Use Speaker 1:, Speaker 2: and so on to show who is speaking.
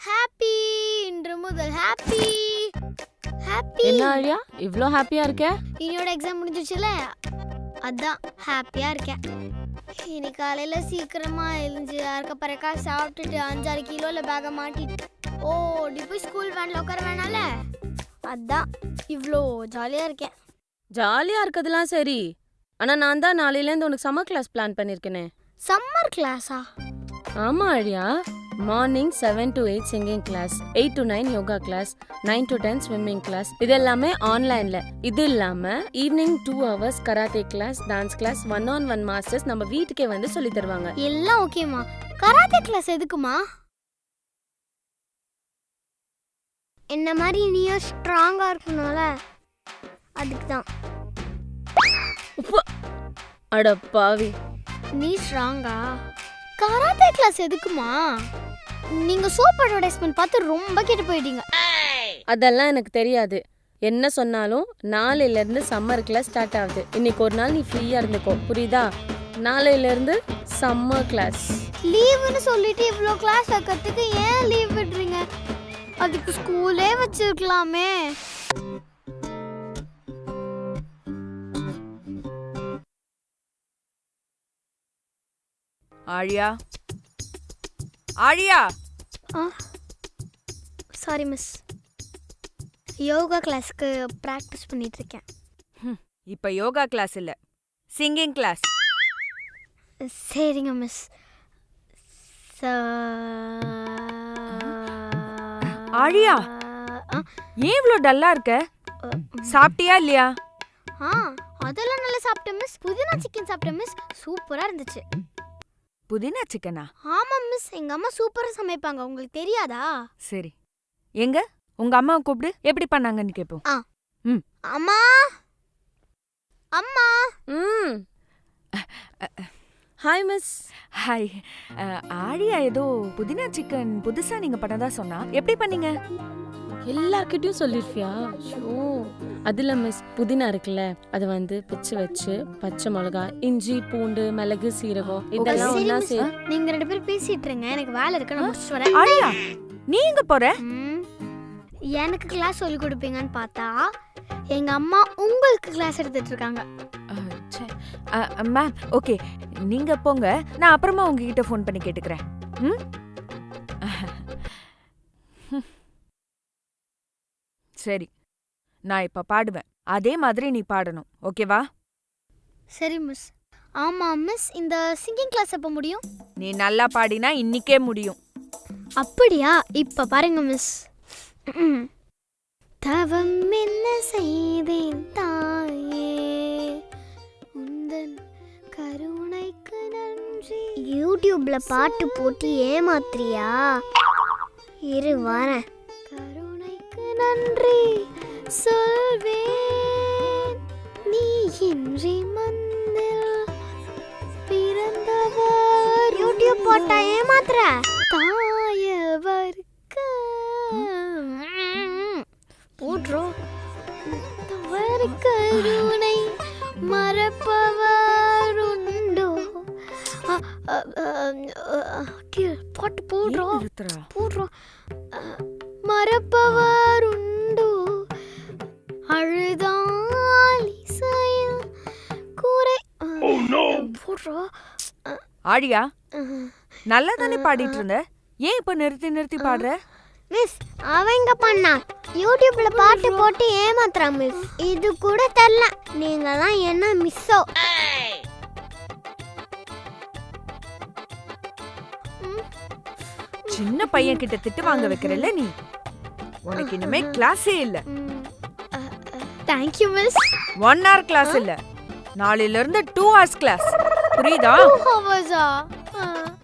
Speaker 1: Happy இன்று முதல் happy happy.
Speaker 2: என்ன ஆழியா இவ்ளோ ஹாப்பியா இருக்க?
Speaker 1: என்னோட எக்ஸாம் முடிஞ்சிச்சுல, அதான் ஹாப்பியா இருக்கேன். இன்னைக்கு காலையில சீக்கிரமா எழுந்து அறக்க பறக்கா சாப்பிட்டுட்டு 5-6 கிலோல பேக மாட்டிட்டு ஓடி போய் ஸ்கூல் வேன்ல உட்கார வேணால, அதான் இவ்வளோ ஜாலியா இருக்கேன்.
Speaker 2: ஜாலியா இருக்கதெல்லாம் சரி, ஆனா நான் தான் நாளையிலேருந்து உனக்கு சம்மர் கிளாஸ் பிளான் பண்ணிருக்கேனே.
Speaker 1: சம்மர் கிளாஸா?
Speaker 2: ஆமா Azhiya, morning 7 to 8 singing class, 8 to 9 yoga class, 9 to 10 swimming class. இது எல்லாமே ஆன்லைன்ல. இது இல்லாம evening 2 hours karate class, dance class, 1-on-1 masters நம்ம வீட்டுக்கே வந்து சொல்லி தருவாங்க.
Speaker 1: எல்லாம் ஓகேமா. கராத்தே கிளாஸ் எதுக்குமா? என்ன மாதிரி நீயும் ஸ்ட்ராங்கா இருக்கணும்ல, அதுக்கு தான்.
Speaker 2: அட பாவி,
Speaker 1: நீ ஸ்ட்ராங்கா? கராத்தே கிளாஸ் எதுக்குமா? நீங்க சோப் அட்வர்டைஸ்மென்ட் பார்த்து ரொம்ப கெட்டு போயிட்டீங்க.
Speaker 2: அதெல்லாம் எனக்கு தெரியாது. என்ன சொன்னாலும் நாளையில இருந்து சம்மர் கிளாஸ் ஸ்டார்ட் ஆகுது. இன்னைக்கு ஒரு நாள் நீ ஃப்ரீயா இருந்துக்கோ, புரியுதா? நாளையில இருந்து சம்மர் கிளாஸ்.
Speaker 1: லீவுன்னு சொல்லிட்டு இவ்ளோ கிளாஸ் வைக்கிறதுக்கு ஏன் லீவ் விடுறீங்க? அதுக்கு ஸ்கூலே வச்சிருக்கலாமே.
Speaker 3: ஆழியா, ஆழியா.
Speaker 1: சாரி மிஸ், யோகா கிளாஸ்க்கு பிராக்டிஸ் பண்ணிட்டு இருக்கேன்.
Speaker 3: இப்ப யோகா கிளாஸ் இல்ல, சிங்கிங் கிளாஸ்.
Speaker 1: சரிங்க மிஸ்.
Speaker 3: ஆழியா, ஏன் இவ்ளோ டல்லா இருக்க? சாப்பிட்டியா இல்லையா?
Speaker 1: அதெல்லாம் நல்லா சாப்பிட்டேன் மிஸ். புதினா சிக்கன் சாப்பிட்டேன் மிஸ், சூப்பரா இருந்துச்சு.
Speaker 3: புதினா சிக்கனா?
Speaker 1: ஆமா மிஸ், எங்க அம்மா சூப்பரா சமைப்பாங்க, உங்களுக்கு தெரியாதா?
Speaker 3: சரி, எங்க உங்க அம்மாவை கூப்பிடு, எப்படி பண்ணாங்கன்னு கேப்போம்.
Speaker 1: அம்மா அம்மா.
Speaker 2: Hi miss.
Speaker 3: ஹாய். ஆழியா ஏதோ புதினா சிக்கன் புதுசா நீங்க பண்ணதா சொன்னா, எப்படி பண்ணீங்க?
Speaker 2: எல்லார்கிட்டயும் சொல்லிருப்பியா? ஷோ, அதுல மிஸ் புதினா இருக்குல்ல, அதை வந்து பிச்சு வச்சு பச்சை மிளகா, இஞ்சி, பூண்டு, மிளகு, சீரகம் இதெல்லாம் ஒண்ணா
Speaker 1: நீங்க 2 பேரும் பேசிட்டு இருங்க, எனக்கு வேலை இருக்கு, நான் முடிச்சிட்டு வரேன்.
Speaker 3: ஆழியா, நீ எங்க போற?
Speaker 1: எனக்கு கிளாஸ் சொல்லி கொடுப்பீங்கன்னு பார்த்தா எங்க அம்மா உங்களுக்கு கிளாஸ் எடுத்துட்டு இருக்காங்க.
Speaker 3: மேம், ஓகே, நீங்க போங்க, நான் அப்புறமா உங்ககிட்ட ஃபோன் பண்ணி கேட்டுக்கிறேன். சரி, நான் இப்ப பாடுவேன், அதே மாதிரி நீ பாடணும், ஓகேவா?
Speaker 1: சரி மிஸ். ஆமா மிஸ், இந்த சிங்கிங் கிளாஸ் எப்ப முடியும்?
Speaker 3: நீ நல்லா பாடினா இன்னிக்கே முடியும்.
Speaker 1: அப்படியா? இப்ப பாருங்க மிஸ். தவம் என்ன செய்தேன் தாயே, உந்தன் கருணைக்கு நன்றி. யூடியூப்ல பாட்டு போட்டு ஏமாத்துறியா? இரு வரேன். கருணைக்கு நன்றி சொல்வேன், நீ இன்றி மந்தில் பிறந்தவர். யூடியூப் போட்டா ஏமாத்துற? தாயவருக்கு போட்றோம். தவறு கருணை மறப்பவர் உண்டோ? பாட்டு போடுறோம் போடுறோம். மறப்பவர் உண்டோ? அழுதால் இசையில் கூரை போடுறோம்.
Speaker 3: ஆழியா, நல்லா தானே பாடிட்டு இருந்த, ஏன் இப்ப நிறுத்தி நிறுத்தி பாடுற?
Speaker 1: மிஸ், அவங்க பண்ணா யூடியூப்ல பாட்டு போட்டு ஏமாத்துறான் மிஸ். இது கூட தெரியல, நீங்கலாம் என்ன மிஸ்ஸோ?
Speaker 3: சின்ன பையன் கிட்ட திட்டு வாங்க வைக்கிறல்ல நீ, உனக்கு இனிமே கிளாஸே இல்ல.
Speaker 1: Thank you miss.
Speaker 3: 1 hour கிளாஸ் இல்ல, நாளையில இருந்து 2 hours கிளாஸ், புரியுதா?
Speaker 1: 2 hours.